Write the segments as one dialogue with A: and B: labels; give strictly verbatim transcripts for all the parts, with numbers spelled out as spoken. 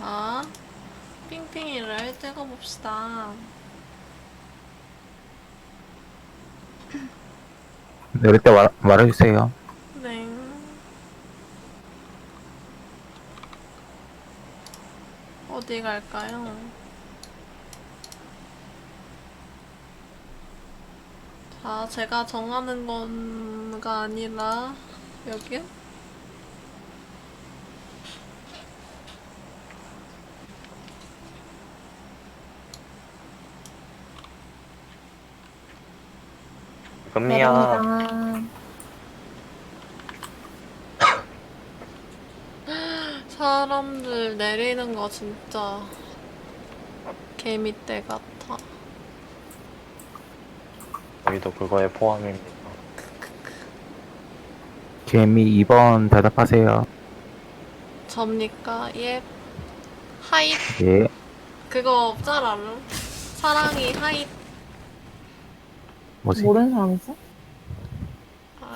A: 자, 핑핑이를 찍어봅시다.
B: 내릴 때 말, 말해주세요.
A: 네. 어디 갈까요? 자, 제가 정하는 건가 아니라, 여기요?
C: 금이야.
D: 내립니다.
A: 사람들 내리는 거 진짜 개미떼 같아.
C: 저희도 그거에 포함입니다.
B: 개미 이 번 대답하세요.
A: 접니까? 예. 하잇.
B: 예.
A: 그거 짤 알아? 사랑이 하잇.
B: 뭐지?
D: 모르는 사람 있어?
A: 아,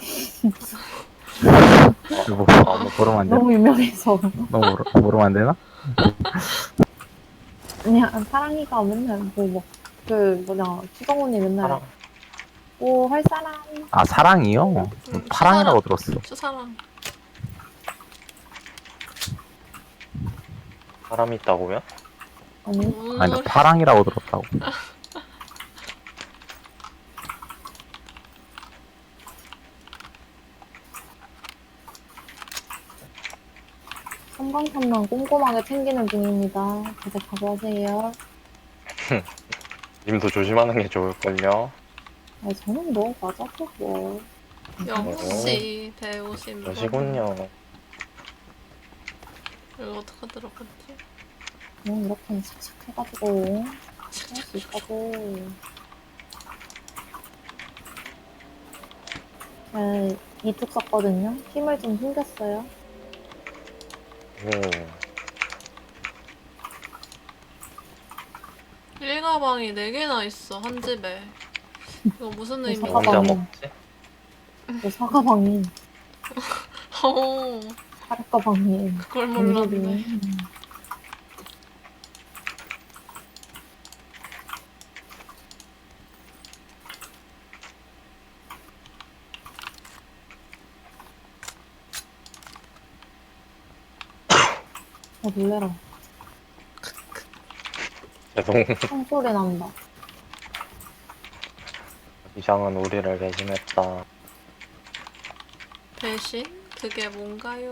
B: 뭐, 뭐 모르면 안 되나?
D: 너무 유명해서.
B: 너무 모르, 모르면 안 되나?
D: 아니야, 사랑이가 맨날 뭐, 뭐, 그, 뭐냐, 추성훈이 맨날,
C: 사랑.
D: 오, 할 사람.
B: 아, 사랑이요?
A: 응,
B: 파랑이라고
A: 추사랑.
B: 들었어.
A: 추사랑.
C: 사람 있다고요?
D: 아니,
A: 무슨
B: 아니, 나
A: 소리?
B: 파랑이라고 들었다고.
D: 삼방삼방 꼼꼼하게 챙기는 중입니다. 다들 각오하세요.
C: 님도 조심하는 게 좋을걸요?
D: 아, 저는 뭐, 맞아도 뭐.
A: 역시 배우신 분.
C: 그러시군요.
A: 이거 어떻게 들어갔지?
D: 그냥 이렇게 착착 해가지고, 할 수 있다고. 네, 이뚝 썼거든요. 힘을 좀 숨겼어요.
C: 오,
A: 일가방이 네 개나 있어, 한 집에. 이거 무슨
D: 네,
A: 의미지?
C: 혼자
D: 사과방이.
C: 먹지?
D: 그 사과방이,
A: 어,
D: 사과방이.
A: 그걸 몰랐네.
D: 어, 놀래라.
C: 죄송.
D: 총소리 난다.
C: 이상은 우리를 배신했다.
A: 대신? 그게 뭔가요?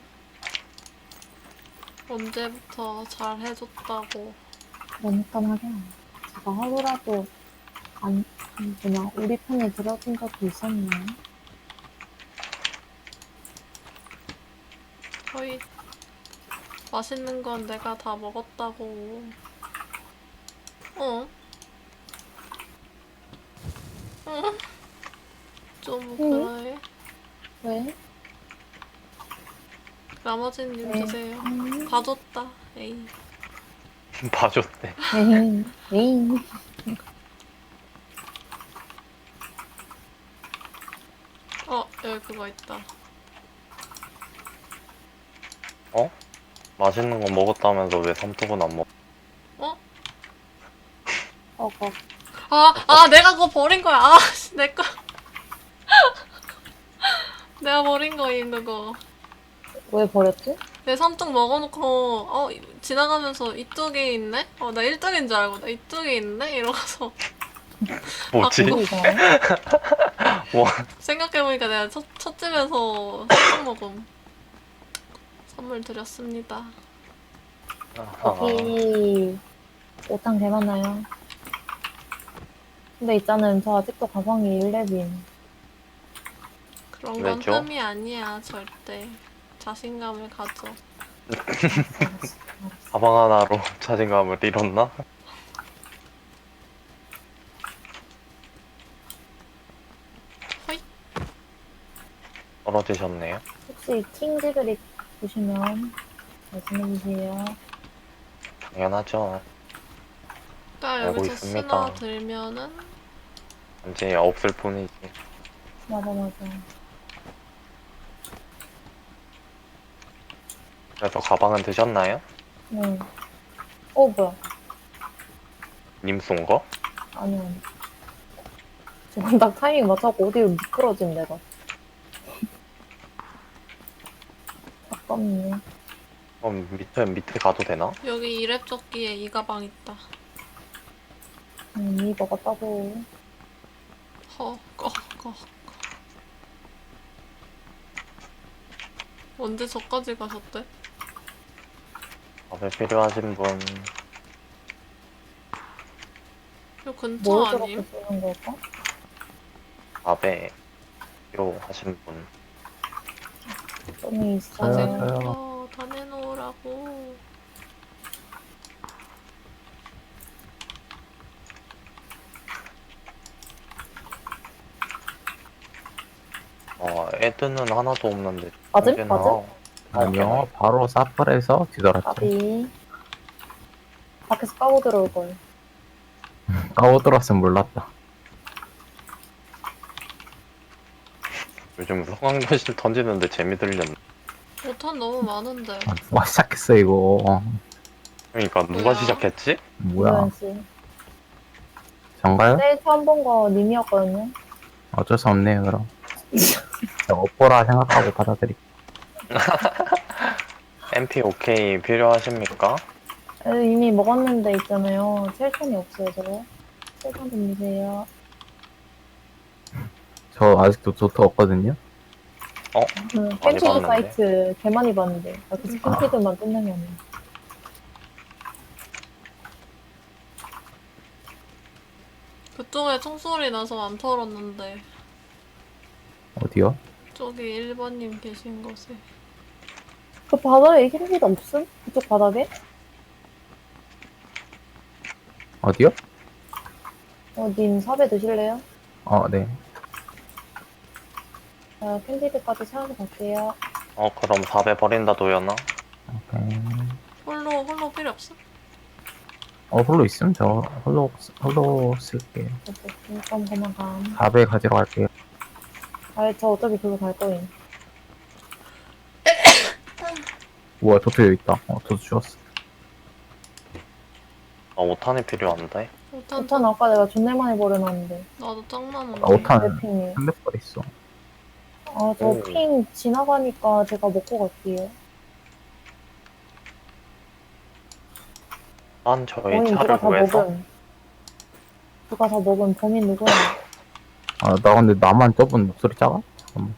A: 언제부터 잘 해줬다고.
D: 그러니까 말이야. 제가 하루라도 안, 뭐냐, 우리 편에 들어준 적이 있었나요?
A: 거의 맛있는 건 내가 다 먹었다고. 어? 어? 좀
D: 응?
A: 그래.
D: 왜?
A: 나머지님
D: 네.
A: 드세요.
D: 음,
A: 봐줬다. 에이.
C: 봐줬대.
D: 에이, 에이.
A: 어, 여기 그거 있다.
C: 어? 맛있는 거 먹었다면서 왜 삼뚝은 안 먹?
A: 어?
D: 어거.
A: 아, 아, 내가 그거 버린 거야. 아, 씨, 내 거. 내가 버린 거임, 그거.
D: 왜 버렸지?
A: 내 삼뚝 먹어놓고, 어, 이- 지나가면서 이쪽에 있네? 어, 나 일등인 줄 알고, 나 이쪽에 있네? 이러고서.
C: 뭐지?
D: 그거 이상하네?
C: 뭐?
A: 생각해보니까 내가 첫, 첫 집에서 삼뚝 먹음. 선물 드렸습니다.
C: 아하.
D: 여기, 오탕 개 많아요. 근데 있잖아요. 저 아직도 가방이 일 렙임.
A: 그런 건
C: 왜죠?
A: 흠이 아니야, 절대. 자신감을 가져.
D: 알았어, 알았어.
C: 가방 하나로 자신감을 잃었나?
A: 허이.
C: 떨어지셨네요.
D: 혹시 킹지그릭 보시면 말씀해주세요.
C: 당연하죠.
A: 딱
C: 알고
A: 여기서
C: 있습니다.
A: 쓰나 들면은,
C: 이제 없을 뿐이지.
D: 맞아, 맞아.
C: 그래서 가방은 드셨나요?
D: 네. 어, 뭐야.
C: 님 쏜 거?
D: 아니, 아니. 지금 딱 타이밍 맞춰갖고 어디로 미끄러진 내가. 아깝네.
C: 그럼 밑에 밑에 가도 되나?
A: 여기 이랩 조끼에 이 가방 있다.
D: 음, 이 먹었다고.
A: 허, 꺼, 꺼. 언제 저까지 가셨대?
C: 밥에 필요하신 분
A: 요 근처
D: 뭘 저렇게
A: 아님?
D: 쓰는 걸까?
C: 밥에 필요하신 분
D: 좀 있어.
B: 저요,
A: 다
B: 저요.
A: 어, 다 내놓으라고.
C: 어 애드는 하나도 없는데
D: 맞음?
C: 이제는
D: 맞음?
C: 하나-
B: 아니요, 바로 사플에서 뒤돌았죠.
D: 까비. 밖에서 까고 들어올 걸.
B: 까고 들어왔으면 몰랐다.
C: 요즘 성황교실 던지는데 재미 들렸네.
A: 오탄 너무 많은데.
B: 아, 누가 시작했어, 이거.
C: 그러니까 누가
A: 뭐야?
C: 시작했지?
B: 뭐야.
D: 이도현 씨.
B: 정가요?
D: 제일 처음 본 거 님이었거든요.
B: 어쩔 수 없네요, 그럼. 그냥 업보라 생각하고 받아들이.
C: 엠피 오케이 필요하십니까?
D: 에, 이미 먹었는데 있잖아요. 칠 톤이 없어요, 저거. 칠 톤 좀 주세요.
B: 저 아직도 도트 없거든요.
D: 그
C: 많이
D: 캔피드
C: 봤는데.
D: 사이트 개 많이 봤는데. 아, 그 캔피드만 끝내면.
A: 그쪽에 총소리 나서 안 털었는데.
B: 어디요?
A: 저기 일 번님 계신 곳에.
D: 그 바닥에 캔피드 없음? 그쪽 바닥에?
B: 어디요?
D: 어, 님 삽에 드실래요?
B: 어, 네.
D: 자, 캔피드까지 찾아서 갈게요.
C: 어 그럼 밥에 버린다 도연아?
B: 오케이.
A: 홀로, 홀로 필요 없어?
B: 어, 홀로 있음? 저 홀로, 홀로 쓸게요.
D: 그럼 그만 감.
B: 사배 가지러 갈게요.
D: 아, 저 어차피 그거 갈 거예요.
B: 우와, 도트 여기 있다. 어, 도트 주웠어.
C: 아 오탄이 필요한데?
A: 오탄,
D: 오탄 아까 내가 존내 많이 버려놨는데.
A: 나도 짱 많은데.
B: 아, 오탄
D: 랩핑이.
B: 삼백 발 있어.
D: 아, 저
C: 오.
D: 핑 지나가니까 제가 먹고 갈게요.
C: 난 저희
D: 범인 누가
C: 차를
D: 다
C: 구해서
D: 먹은. 누가 다 먹은 범인 누구야?
B: 아, 나 근데 나만 저분 목소리 작아? 잠깐만.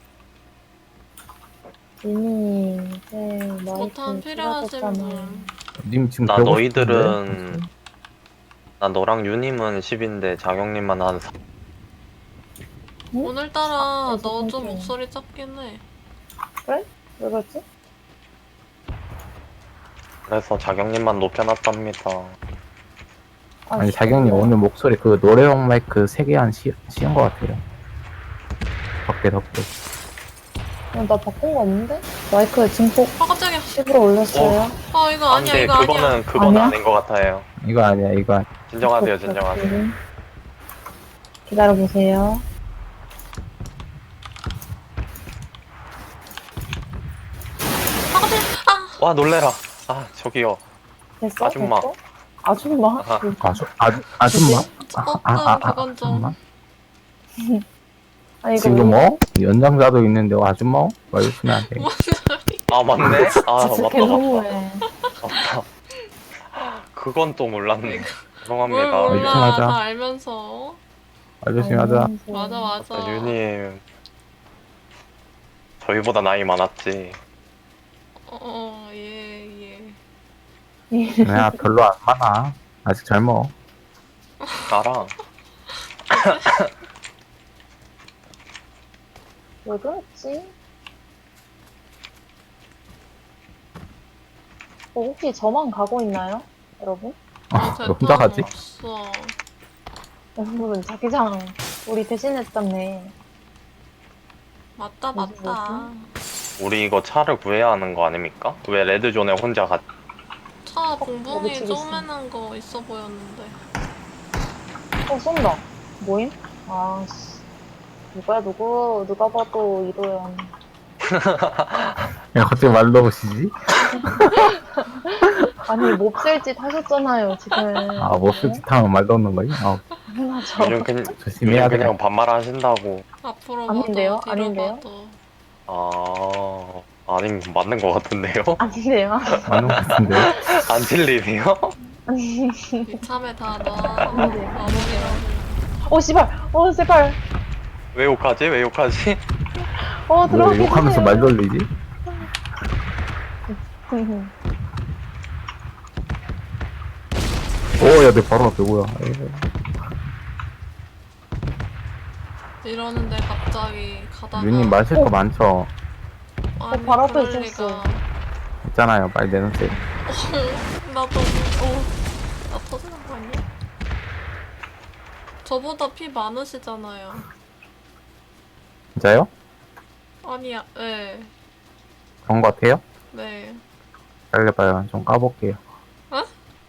D: 이미 제 마이크
A: 오탄 필요하신
D: 줄어들었잖아.
A: 분.
B: 님 지금
C: 나
B: 배우고
C: 너희들은
B: 싶은데?
C: 난 너랑 유님은 십인데 자경님만 한 사...
D: 응?
A: 오늘따라
D: 그래서
A: 너 좀
D: 깜짝이야.
A: 목소리 작긴 해.
D: 왜 그랬지?
C: 그래서 자경님만 높여놨답니다.
B: 아니, 자경님 오늘 목소리 그 노래용 마이크 세 개 한 씌, 씌운 것 같아요. 덕계, 덕계.
D: 어, 나 바꾼 거 없는데? 마이크 증폭
A: 아, 깜짝이야.
D: 십으로 올렸어요.
A: 아, 이거 아니야,
C: 안돼
A: 이거 아니야.
C: 그거는 그건
D: 아니야?
C: 아닌 것 같아요.
B: 이거 아니야, 이거 아니야.
C: 진정하세요 진정하세요.
D: 기다려보세요.
A: 아, 깜짝이야. 아,
C: 와 놀래라. 아 저기요.
D: 됐어?
C: 아줌마.
D: 됐어? 아줌마?
C: 아하.
B: 아주, 아주, 아줌마?
A: 조금 그건 좀.
B: 아줌마?
D: 아, 이거
B: 지금
D: 왜-
B: 어? 연장자도 있는데 어, 아줌마? 말해주면 안 돼.
C: 아 맞네. 아
D: 진짜
C: 맞다
D: 개
C: 맞다.
D: 너무해.
C: 맞다. 그건 또 몰랐네.
A: 뭘
C: 죄송합니다.
B: 어,
A: 몰라.
B: 유심하자.
A: 다 알면서.
B: 말조심히 하자.
A: 맞아, 맞아.
C: 유님 저희보다 나이 많았지.
A: 어, 어, 예, 예.
B: 야, 별로 안 많아. 아직 젊어.
C: 나랑
D: 왜 그랬지? 어, 혹시 저만 가고 있나요? 여러분?
B: 아,
A: 제
B: 너 혼자
A: 편
B: 가지?
A: 없어.
D: 여러분, 자기장 우리 대신했잖네.
A: 맞다,
D: 뭐지,
A: 맞다.
C: 우리 이거 차를 구해야 하는 거 아닙니까? 왜 레드존에 혼자 갔?
A: 차
D: 여기
A: 봉봉이
D: 지금 있어.
A: 쪼매난 거 있어 보였는데.
D: 어, 쏜다. 뭐임? 아, 씨. 누구야, 누구? 누가 봐도 이도현.
B: 야, 갑자기 말 넣으시지?
D: 아니, 몹쓸 짓 하셨잖아요, 지금.
B: 아, 뭐 스짓하면 말도 없는 거지? 아,
D: 당연하죠.
C: 요즘, 그냥,
B: 조심해야
C: 요즘
B: 돼.
C: 그냥 반말하신다고.
A: 앞으로
D: 아닌데요?
A: 봐도 뒤로
D: 아닌데요?
A: 봐도.
C: 아, 아니, 맞는 것 같은데요?
D: 아닌데요?
B: 맞는 것 같은데.
C: 안 틀리네요?
D: 아니.
A: 이참에 다 놔.
D: 아닌데요?
A: 마무리라고.
D: 어, 씨발! 어, 제발!
C: 왜 욕하지? 왜 욕하지?
D: 어,
B: 왜
D: 들어가게
B: 욕하면서
D: 해주세요.
B: 말 돌리지? 오, 야, 내 바로 앞에 뭐야. 에이.
A: 이러는데 갑자기 가다가.
B: 유님 마실 거
D: 어.
B: 많죠?
A: 아니,
D: 바로 앞에
A: 그럴
D: 있었어.
A: 리가.
B: 있잖아요. 빨리 내놓으세요.
A: 나도, 어, 나 터지는 거 아니야? 저보다 피 많으시잖아요.
B: 진짜요?
A: 아니야, 네,
B: 그런 거 같아요?
A: 네.
B: 빨리봐요. 좀 까볼게요.
A: 어,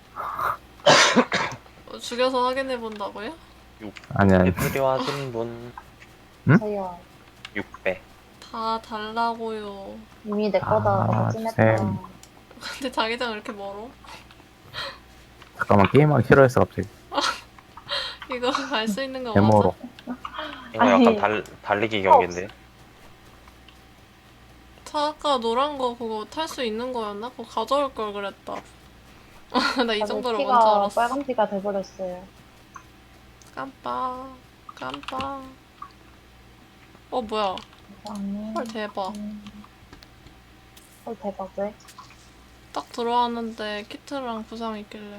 A: 죽여서 확인해 본다고요?
B: 아니, 아니.
C: 필요하신 분
B: 응?
D: 저요.
C: 육 배.
A: 다 달라고요.
D: 이미 내 거다.
B: 아,
D: 너가 찜했다.
B: 쌤.
A: 근데 자기장 왜 이렇게 멀어?
B: 잠깐만, 게임하기 싫어했어, 갑자기.
A: 이거 갈 수 있는 거
B: 데모로.
A: 맞아?
C: 이거
D: 아니.
C: 약간 달, 달리기 경기인데.
A: 차 아까 노란 거 그거 탈 수 있는 거였나? 그거 가져올 걸 그랬다. 나 이
D: 나도
A: 정도로
D: 피가
A: 먼저 알았어.
D: 빨간 피가 돼버렸어요.
A: 깜빡, 깜빡. 어, 뭐야.
D: 아니.
A: 헐, 대박.
D: 음. 헐, 대박, 왜?
A: 딱 들어왔는데 키트랑 부상 있길래.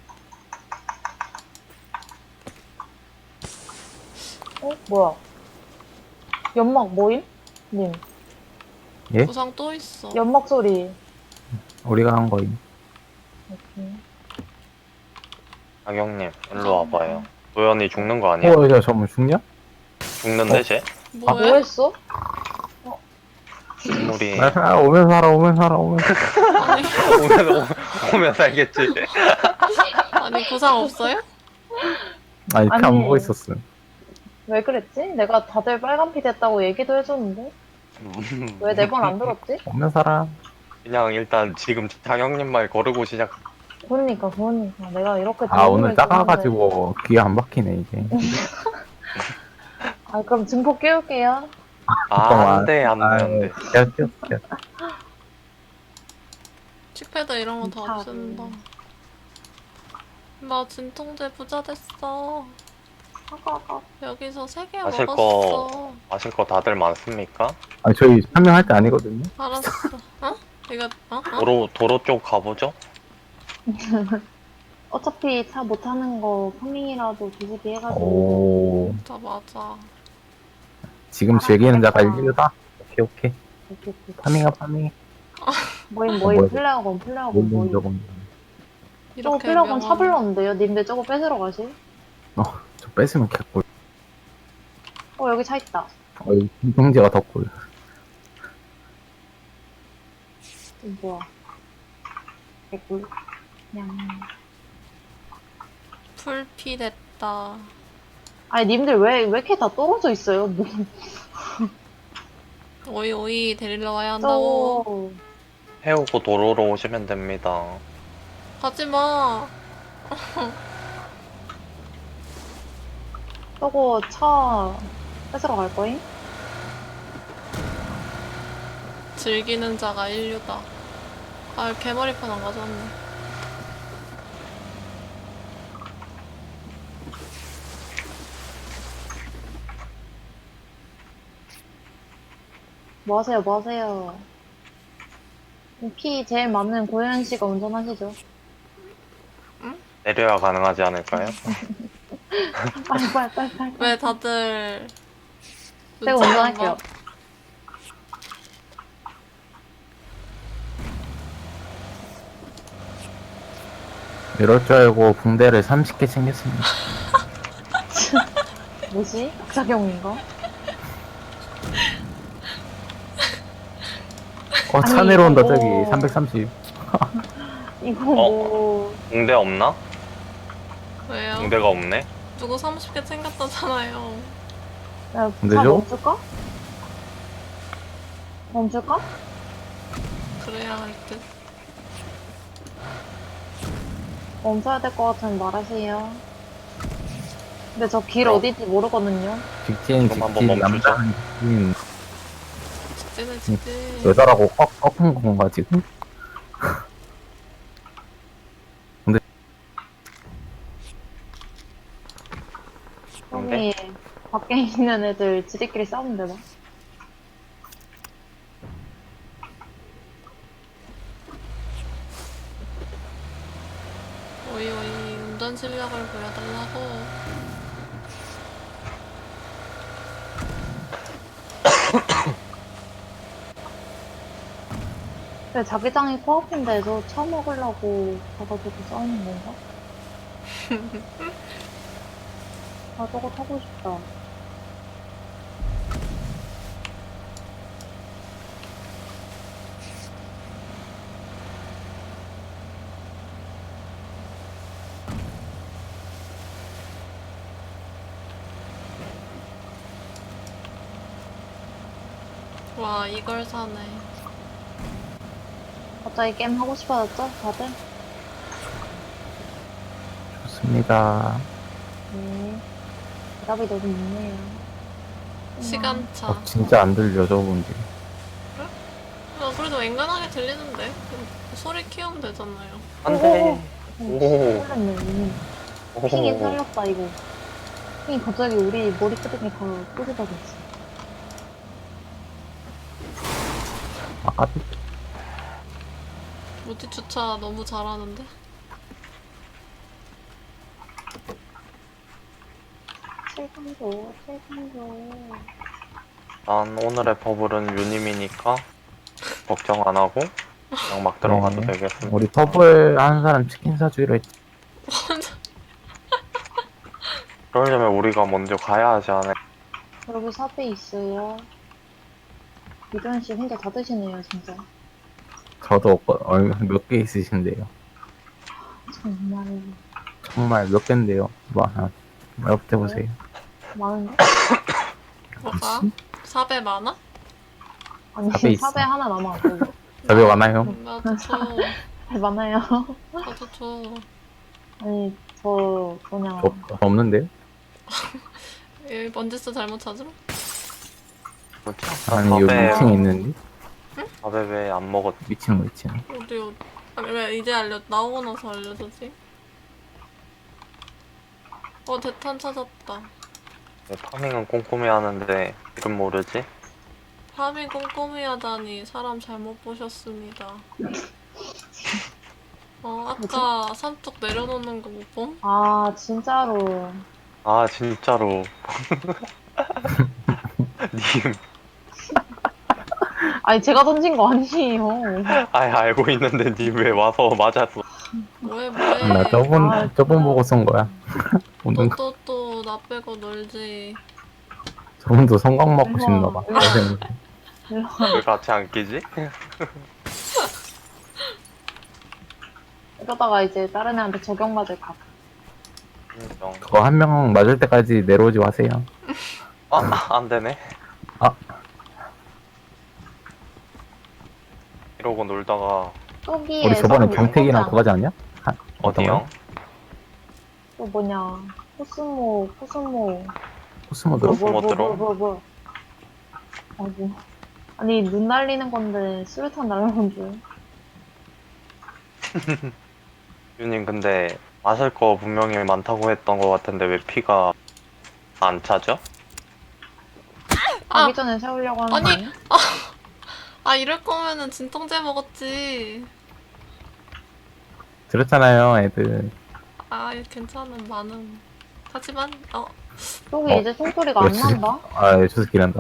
D: 어? 뭐야? 연막 모임? 님.
B: 예?
A: 부상 또 있어.
D: 연막 소리.
B: 우리가 한 거임.
D: 오케이.
C: 박영님, 일로 와봐요. 도연이 죽는 거 아니야?
B: 어, 야, 잠깐만, 죽냐?
C: 죽는데, 쟤?
D: 뭐
A: 뭐해?
D: 했어?
C: 식물이
B: 아, 아, 오면 살아, 오면 살아, 오면 살아.
A: 아니,
C: 오면, 오- 오면 살겠지.
A: 아니, 부상 없어요?
B: 아니, 피 안
D: 아니.
B: 보고 있었음.
D: 왜 그랬지? 내가 다들 빨간 피 됐다고 얘기도 해줬는데? 왜 내 말 안 들었지?
B: 오면 살아.
C: 그냥 일단 지금 장영님 말 거르고 시작.
D: 그러니까, 그러니까. 내가 이렇게
B: 아, 오늘
D: 도움을
B: 작아가지고 귀에 안 박히네, 이게.
D: 줬는데. 아, 그럼 증폭 깨울게요.
C: 아, 안 돼, 안 돼, 안 돼.
B: 야, 뛰어, 뛰어.
A: 칙패드 이런 거 다
D: 참.
A: 없앤다. 나 진통제 부자 됐어.
D: 아까, 아까.
A: 여기서 세 개
C: 마실 거-
A: 먹었어.
C: 마실 거 다들 많습니까?
B: 아니, 저희 설명할 때 아니거든요.
A: 알았어. 어? 이거, 어? 어?
C: 도로, 도로 쪽 가보죠?
D: 어차피 차 못 타는 거 파밍이라도 뒤집기 해가지고.
B: 오,
A: 진짜 맞아.
B: 지금 즐기는 자가 일류다? 오케이, 오케이.
D: 이렇게, 이렇게.
B: 파밍아, 파밍.
D: 모임,
B: 어,
D: 모임,
B: 뭐야,
D: 플레어건, 플레어건,
B: 뭔
D: 모임.
B: 저건.
D: 저거
A: 이렇게
D: 플레어건 차
A: 명함-
D: 불렀는데요? 님들 저거 뺏으러 가실?
B: 어, 저 뺏으면 개꿀.
D: 어, 여기 차 있다.
B: 어, 이 김동재가 더 꿀.
D: 이거 뭐야. 개꿀. 그냥.
A: 풀피 됐다.
D: 아니, 님들 왜, 왜 이렇게 다 떨어져 있어요? 뭐,
A: 오이 오이 데리러 와야 한다고.
D: 저,
C: 해오고 도로로 오시면 됩니다.
A: 가지마.
D: 저거 차 뺏으러 갈 거임?
A: 즐기는 자가 인류다. 아, 개머리판 안 가져왔네.
D: 뭐 하세요, 뭐 하세요? 피 제일 많은 고현 씨가 운전하시죠?
C: 내려야 가능하지 않을까요?
D: 빨리, 빨리, 빨리, 빨리.
A: 왜 다들
D: 제가
A: 눈치 안
D: 운전할게요.
A: 봐?
B: 이럴 줄 알고 붕대를 삼십 개 챙겼습니다.
D: 뭐지? 악작용인가?
B: 어, 차
D: 아니,
B: 내려온다,
D: 이거-
B: 저기. 삼백삼십.
D: 이거 뭐,
C: 붕대 없나?
A: 왜요?
C: 붕대가 없네?
A: 누구 삼십 개 챙겼다잖아요.
D: 야,
B: 근데
D: 차
B: 저-
D: 멈출까? 멈출까?
A: 그래야 할 듯.
D: 멈춰야 될 것 같으면 말하세요. 근데 저 길
C: 어.
D: 어딘지 모르거든요.
B: 직진,
C: 그럼 한번
B: 직진,
C: 멈추자.
B: 남자는 직진.
A: 직진해 직진.
B: 여자라고 꺾, 꺾은 건가, 지금?
C: 근데?
D: 여기 밖에 있는 애들 지들끼리 싸우면 되나?
A: 오이 오이 운전 실력을 보여달라고.
D: 근데 자기장이 코앞인데 저 차 먹으려고 가가지고 싸우는 건가? 아 저거 타고 싶다.
A: 와 이걸 사네.
D: 갑자기 게임 하고 싶어졌죠? 다들?
B: 좋습니다.
D: 네. 대답이 너무 있네요.
A: 시간차.
B: 어, 진짜 안 들려, 저분들.
A: 아, 그래도 앵간하게 들리는데. 소리 키우면 되잖아요.
C: 안 돼.
D: 오.
C: 오.
D: 살렸네, 이미.
C: 오.
D: 핑이 살렸다, 이거. 핑이 갑자기 우리 머리끄댕이 다 꽂아버렸어.
B: 아,
A: 무티 주차 너무 잘하는데.
D: 최강조, 최강조.
C: 난 오늘의 버블은 유님이니까 걱정 안 하고 그냥 막 들어가도
B: 네.
C: 되겠습니다.
B: 우리 터블 하는 사람 치킨 사주기로 했지.
C: 그러려면 우리가 먼저 가야 하지 않을까?
D: 여기 사배 있어요. 이도현 씨 혼자 다 드시네요, 진짜.
B: 저도 몇 개 있으신데요.
D: 정말
B: 정말 몇 개인데요. 뭐, 하나, 옆에 보세요.
D: 많은데?
A: 뭐가? 사배 많아?
D: 아니,
B: 사배 있어.
D: 사배 하나 남았고.
B: 저기 많아요.
A: 음, 나도 줘.
D: 많아요.
A: 나도 줘.
D: 아니, 저, 그냥.
B: 저, 저 없는데요?
A: 이 먼지스 잘못 찾으러?
C: 뭐지?
B: 아니, 여기
C: 밥에
B: 미팅 있는데?
C: 밥에 왜 안 먹었지?
B: 미팅, 미팅.
A: 어디 어디? 아니 왜 이제 알려 나오고 나서 알려주지? 어 대탄 찾았다.
C: 네, 파밍은 꼼꼼히 하는데 이름 모르지?
A: 파밍 꼼꼼히 하다니 사람 잘못 보셨습니다. 어 아까 삼뚝 내려놓는 거 못 봄?
D: 아, 진짜로.
C: 아 진짜로 님
D: 아니, 제가 던진 거 아니에요.
C: 아예 알고 있는데 님 왜 와서 맞았어?
A: 뭐해 뭐해?
B: 나 저분,
D: 아,
B: 저분 보고 쏜 거야. 오늘
A: 또 또 또 나 빼고 놀지.
B: 저분도 성광 먹고 싶나 봐.
D: 우와.
B: 선생님.
C: 왜 같이 안 끼지?
D: 이러다가 이제 다른 애한테 적용받을 각.
C: 인정.
B: 그거 한 명 맞을 때까지 내려오지 마세요.
C: 아, 안 되네.
B: 아.
C: 이러고 놀다가
D: 여기에
B: 우리 저번에
D: 사람
B: 경택이랑
D: 있었잖아.
B: 그거 하지 않냐? 하- 어떤
C: 어디요?
B: 거요?
D: 또 뭐냐. 코스모, 코스모.
B: 코스모드로?
C: 뭐, 뭐 들어?
D: 뭐, 뭐. 아이고. 아니, 눈 날리는 건데, 수류탄 날라온 줄.
C: 유님 근데 마실 거 분명히 많다고 했던 것 같은데 왜 피가 안 차죠?
A: 아!
D: 가기 전에 세우려고 하는 거
A: 아니,
D: 아니야?
A: 아 이럴 거면은 진통제 먹었지.
B: 들었잖아요, 애들.
A: 아 괜찮은 많음. 하지만 어
D: 저기
B: 어,
D: 이제 총소리가 안
B: 그렇지.
D: 난다?
B: 아, 예, 저 새끼 난다.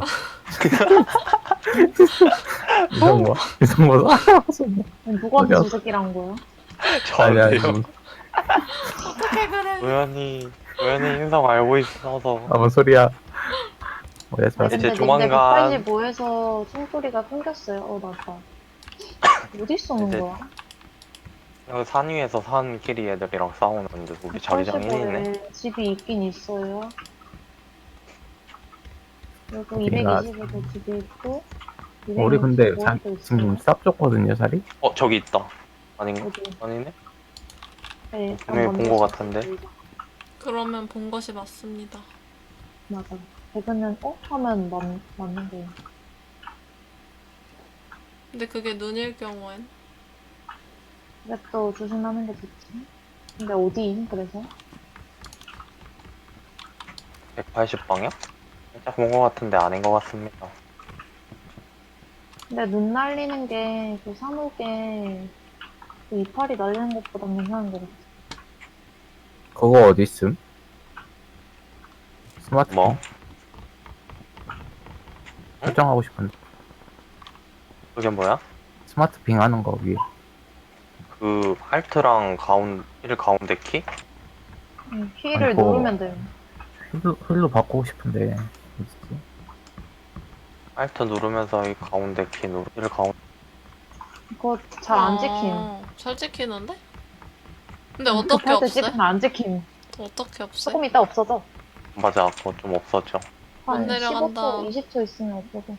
B: 이성모? 이성모? 아, 쏜다.
D: 아니, 누구한테
B: 어디야?
D: 저 새끼란 거야?
B: 아니, 아니,
C: 저한테요.
A: 어떻게 그래?
C: 우연히 우연히 인성 알고 있어서
B: 아뭔 소리야. 뭐야, 저
D: 아니,
C: 이제
D: 근데
C: 조만간-
D: 백팔십오에서 총소리가 끊겼어요. 어, 나다. 어디 쏘는
C: 이제
D: 거야?
C: 여기 산 위에서 산끼리 애들이랑 싸우는데 우리 자기장 일 위네.
D: 백팔십오에 집이 있긴 있어요. 그리고
B: 우리가-
D: 이백이십에도 집이 있고,
B: 우리 근데 자,
D: 이백육십오에도
B: 지금
D: 있어요.
B: 쌉 줬거든요, 자리?
C: 어 저기 있다. 아닌가?
D: 어디?
C: 아니네?
D: 네, 일단
C: 분명히 본
D: 먼저
C: 것 같은데.
D: 시작해보자.
A: 그러면 본 것이 맞습니다.
D: 맞아. 배그는 어? 하면 맞, 맞는 거.
A: 근데 그게 눈일 경우엔
D: 그래도 조심하는 게 좋지. 근데 어디? 그래서?
C: 백팔십 방향? 살짝 본 것 같은데 아닌 것 같습니다.
D: 근데 눈 날리는 게, 그 사무게, 그 이파리 날리는 것보다 괜찮은 거 같아.
B: 그거 어디 있음? 스마트폰
C: 뭐? 응?
B: 설정하고 싶은데.
C: 그게 뭐야?
B: 스마트 빙 하는 거 위에.
C: 그 알트랑 가운 힐 가운데 키?
D: 응,
B: 아니,
D: 키를
B: 그거
D: 누르면 돼요.
B: 휠로, 휠로 바꾸고 싶은데. 어딨지?
C: 알트 누르면서 이 가운데 키 누르 힐 가운데.
D: 그거 잘 안 찍힘.
A: 어, 잘 찍히는데? 근데
D: 응,
A: 어떻게
D: 급할 때
A: 없애?
D: 찍으면 안 찍힘.
A: 어떻게 없애?
D: 조금 있다 없어져.
C: 맞아, 그거 좀 없었죠.
A: 못
D: 한 십오 초,
A: 내려간다.
D: 이십 초 있으면 없어져.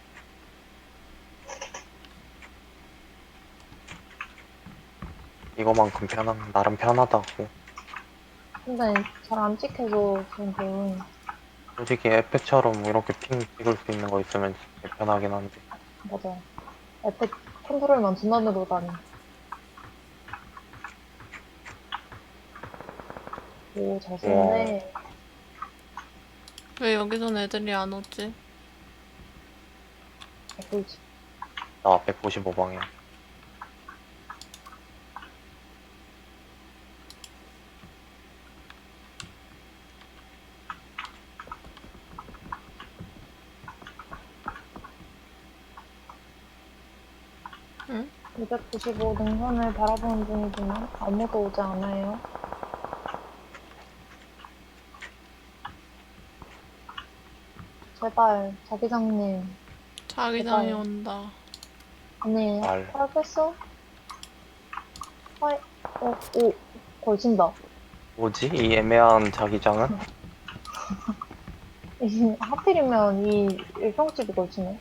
C: 이거만큼 편한 나름 편하다고.
D: 근데 잘 안 찍혀서 지금
C: 솔직히 에펙처럼 이렇게 핑 찍을 수 있는 거 있으면 진짜 편하긴 한데.
D: 맞아. 에펙 컨트롤만 존나 누르다니. 오, 잘 썼네.
A: 왜 여기선 애들이 안 오지?
D: 꿀지.
C: 나 백구십오 방향.
A: 응?
D: 이백구십오 능선을 바라보는 중이지만 아무도 오지 않아요. 제발, 자기장님.
A: 자기장이
D: 제발.
A: 온다.
D: 아니,
C: 말.
D: 알겠어? 하이, 어, 오, 걸친다.
C: 뭐지? 이 애매한 자기장은?
D: 이- 하필이면 이 일평집이 걸치네.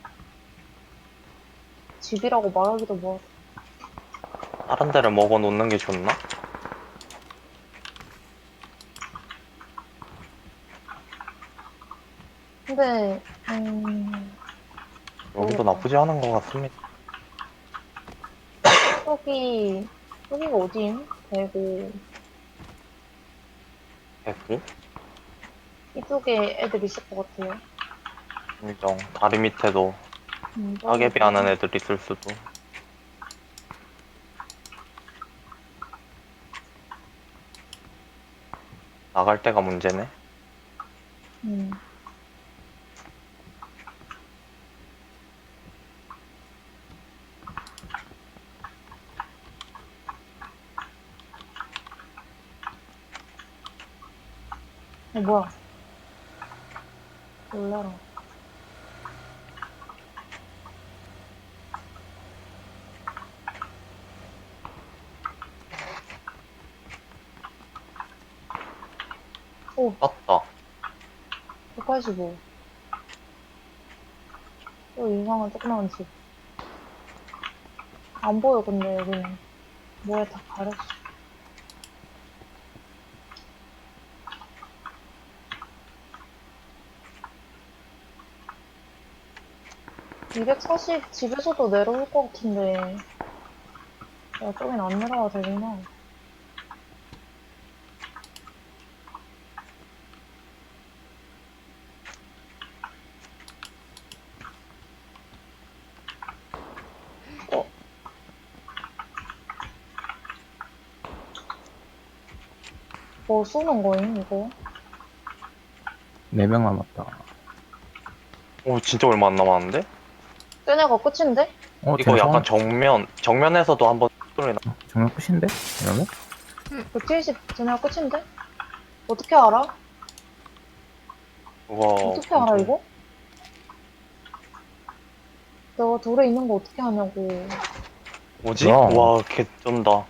D: 집이라고 말하기도 뭐.
C: 다른 데를 먹어 놓는 게 좋나?
D: 근데, 음,
C: 여기도
D: 모르겠다.
C: 나쁘지 않은 것 같습니다.
D: 여기, 여기가 어디임? 대구.
C: 백구?
D: 이쪽에 애들 있을 것 같아요.
C: 인정. 다리 밑에도
D: 음,
C: 따개비 하는 애들 있을 수도. 나갈 때가 문제네.
D: 음. 어, 뭐야. 놀래라. 오,
C: 떴다.
D: 백팔십오. 또 이상한 조그마한 집. 안 보여, 근데 여기는. 뭐에 다 가렸어. 이백사십 집에서도 내려올 것 같은데. 야, 저긴 안 내려와도 되구나. 어? 뭐 쏘는 거임, 이거?
B: 네 명 남았다.
C: 오, 진짜 얼마 안 남았는데?
D: 쟤네가 끝인데?
B: 어,
C: 이거
B: 쟤네
C: 약간
B: 성,
C: 정면, 정면에서도 한번 소리 나.
B: 정말 끝인데? 이러면?
D: 백칠십 쟤네가 끝인데? 어떻게 알아?
C: 그거.
D: 어떻게 알아,
C: 엄청-
D: 이거? 내가 돌에 있는 거 어떻게 하냐고.
C: 뭐지?
B: 그럼.
C: 와, 개 쩐다.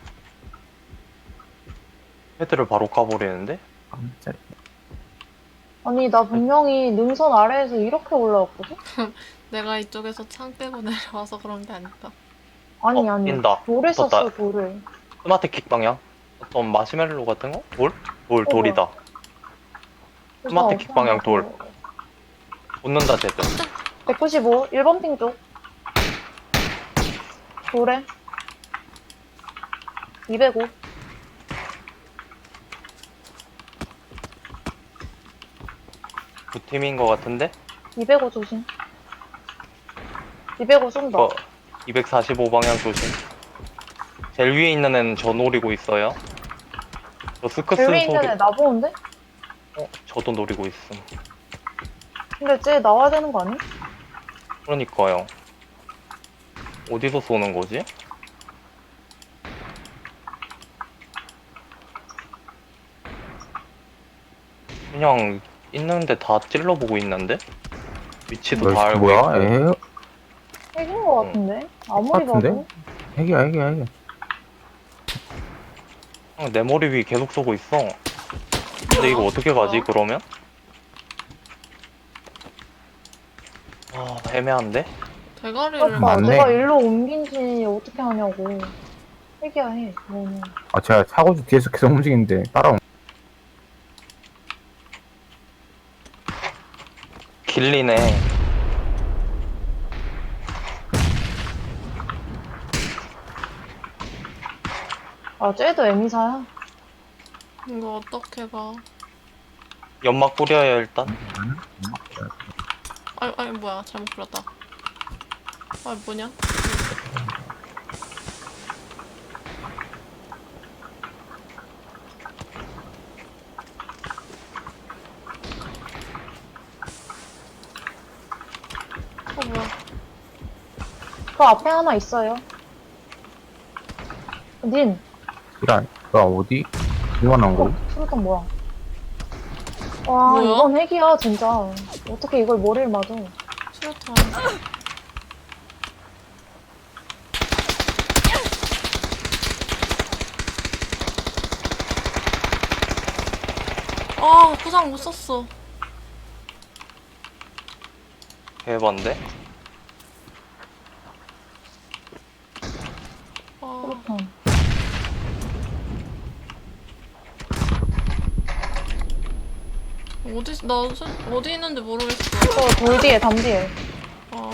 C: 헤드를 바로 까버리는데?
B: 깜짝이야.
D: 아니, 나 분명히 능선 아래에서 이렇게 올라왔거든?
A: 내가 이쪽에서 창 빼고 내려와서 그런 게 아닐까.
D: 아니,
C: 어,
D: 아니.
C: 뛴다.
D: 돌에
C: 떴다.
D: 썼어, 돌을.
C: 스마트 킥 방향. 어떤 마시멜로 같은 거? 돌? 돌,
D: 어,
C: 돌이다. 스마트 킥 방향 돌.
D: 어,
C: 붙는다, 쟤들.
D: 백구십오, 일 번 핑 쪽. 돌에. 이백오.
C: 두 팀인 거 같은데?
D: 이백오 조심. 이백오 쏜다.
C: 어, 이백사십오 방향 조심. 제일 위에 있는 애는 저 노리고 있어요. 저 스크스
D: 제일 위에
C: 소리.
D: 있는 애 나보는데?
C: 어, 저도 노리고 있음.
D: 근데 쟤 나와야 되는 거 아니?
C: 그러니까요. 어디서 쏘는 거지? 그냥 있는데 다 찔러보고 있는데? 위치도 다 알고
B: 뭐야?
C: 있고.
B: 에?
D: 핵인 거 같은데? 아무리
B: 같은데?
D: 봐도.
B: 핵이야, 핵이야, 핵이야.
C: 그냥 내 머리 위 계속 쏘고 있어. 근데 이거 어떻게 가지, 그러면? 아, 애매한데?
A: 대가리를
D: 그러니까
B: 맞네.
D: 내가 일로 옮긴지 어떻게 하냐고. 핵이야 해. 너는.
B: 아, 제가 차고지 뒤에서 계속 움직이는데 따라온.
C: 길리네.
D: 아 쟤도 에미사야.
A: 이거 어떻게 가?
C: 연막 뿌려요, 일단.
A: 아니 아니 뭐야 잘못 불렀다. 아 뭐냐? 어 뭐야?
D: 그 앞에 하나 있어요. 닌.
B: 이란, 나 어디? 이만한 거?
D: 수류탄 뭐야? 와
A: 뭐야?
D: 이건 핵이야 진짜. 어떻게 이걸 머리를 맞아?
A: 수류탄. 아 부상 못 썼어.
C: 개반데?
A: 아
D: 수류탄.
A: 어디 나 수- 어디 있는지 모르겠어.
D: 저돌 뒤에 담 뒤에.
A: 아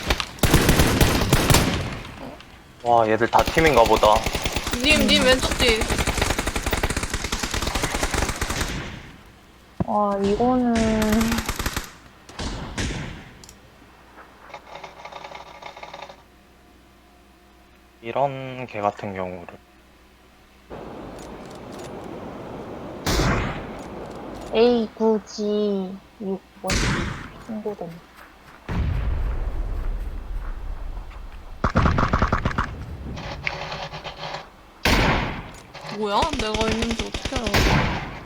C: 와, 얘들 다 팀인가 보다.
A: 님 님 왼쪽 뒤.
D: 와 이거는
C: 이런 개 같은 경우를.
D: 에이 구 지 육 뭐지? 신고된.
A: 뭐야? 내가 있는지 어떻게 알아?